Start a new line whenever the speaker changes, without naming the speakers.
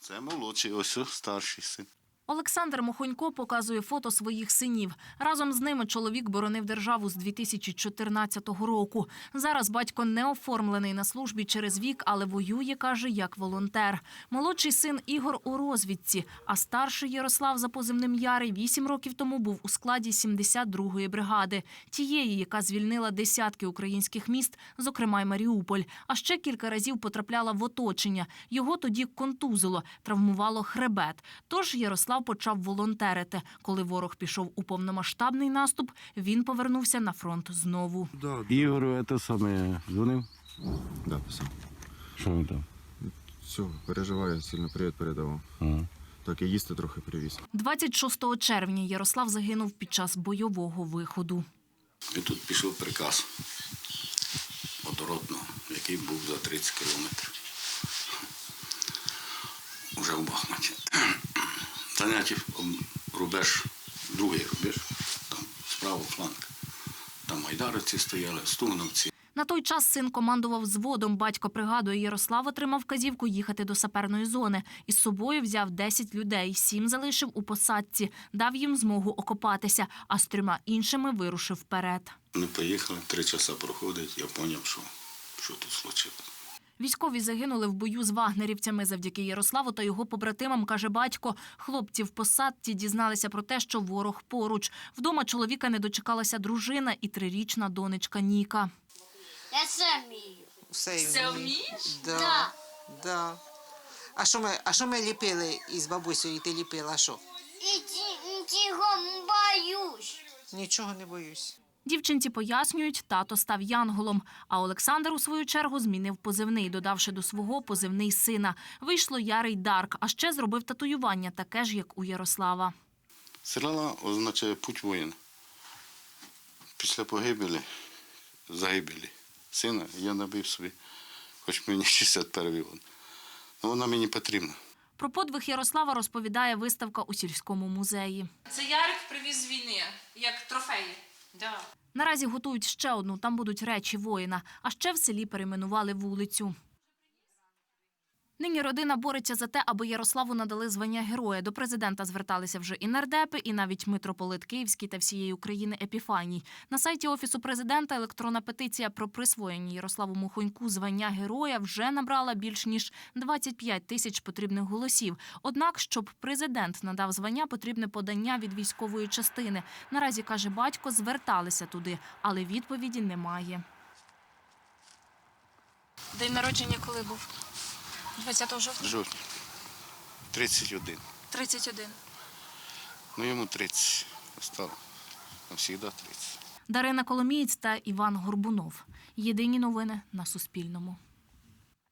Це молодший, ось старший син.
Олександр Мохонько показує фото своїх синів. Разом з ними чоловік боронив державу з 2014 року. Зараз батько не оформлений на службі через вік, але воює, каже, як волонтер. Молодший син Ігор у розвідці, а старший Ярослав за позивним Ярий 8 років тому був у складі 72-ї бригади. Тієї, яка звільнила десятки українських міст, зокрема й Маріуполь. А ще кілька разів потрапляла в оточення. Його тоді контузило, травмувало хребет. Тож Ярослав почав волонтерити. Коли ворог пішов у повномасштабний наступ, він повернувся на фронт знову.
Ігору це саме дзвонив?
Да, писав.
Що він там?
Все, переживаю, сильно привіт передавав.
Ага.
Так і їсти трохи привіз.
26 червня Ярослав загинув під час бойового виходу.
І тут пішов приказ водородного, який був за 30 кілометрів. Уже в Бахмуті. Заняття рубеж, другий рубеж, там справа фланг. Там майдаровці стояли, стугновці.
На той час син командував взводом. Батько пригадує, Ярослав отримав вказівку їхати до саперної зони. Із собою взяв 10 людей, 7 залишив у посадці, дав їм змогу окопатися, а з 3 іншими вирушив вперед.
Ми поїхали, 3 часа проходить, я зрозумів, що тут случилось.
Військові загинули в бою з вагнерівцями. Завдяки Ярославу та його побратимам, каже батько, хлопці в посадці дізналися про те, що ворог поруч. Вдома чоловіка не дочекалася дружина і 3-річна донечка Ніка.
Я все вмію.
Все вмієш?
Да.
Да. А що ми ліпили із бабусею, і ти ліпила, а що?
І цього боюсь.
Нічого не боюсь.
Дівчинці пояснюють, тато став янголом, а Олександр у свою чергу змінив позивний, додавши до свого позивний сина. Вийшло Ярий Дарк, а ще зробив татуювання, таке ж, як у Ярослава.
Стріла означає путь воїна. Після загибелі сина я набив собі, хоч мені 61-й год. Але вона мені потрібна.
Про подвиг Ярослава розповідає виставка у сільському музеї.
Це Ярик привіз з війни, як трофеї. Да.
Наразі готують ще одну, там будуть речі воїна. А ще в селі перейменували вулицю. Нині родина бореться за те, аби Ярославу надали звання героя. До президента зверталися вже і нардепи, і навіть митрополит Київський та всієї України Епіфаній. На сайті Офісу президента електронна петиція про присвоєння Ярославу Мохоньку звання героя вже набрала більш ніж 25 тисяч потрібних голосів. Однак, щоб президент надав звання, потрібне подання від військової частини. Наразі, каже батько, зверталися туди, але відповіді немає.
День народження коли був? 20 жовтня?
Жовтня. 31.
31.
Ну йому 30 стало. Навсігда 30.
Дарина Коломієць та Іван Горбунов. Єдині новини на Суспільному.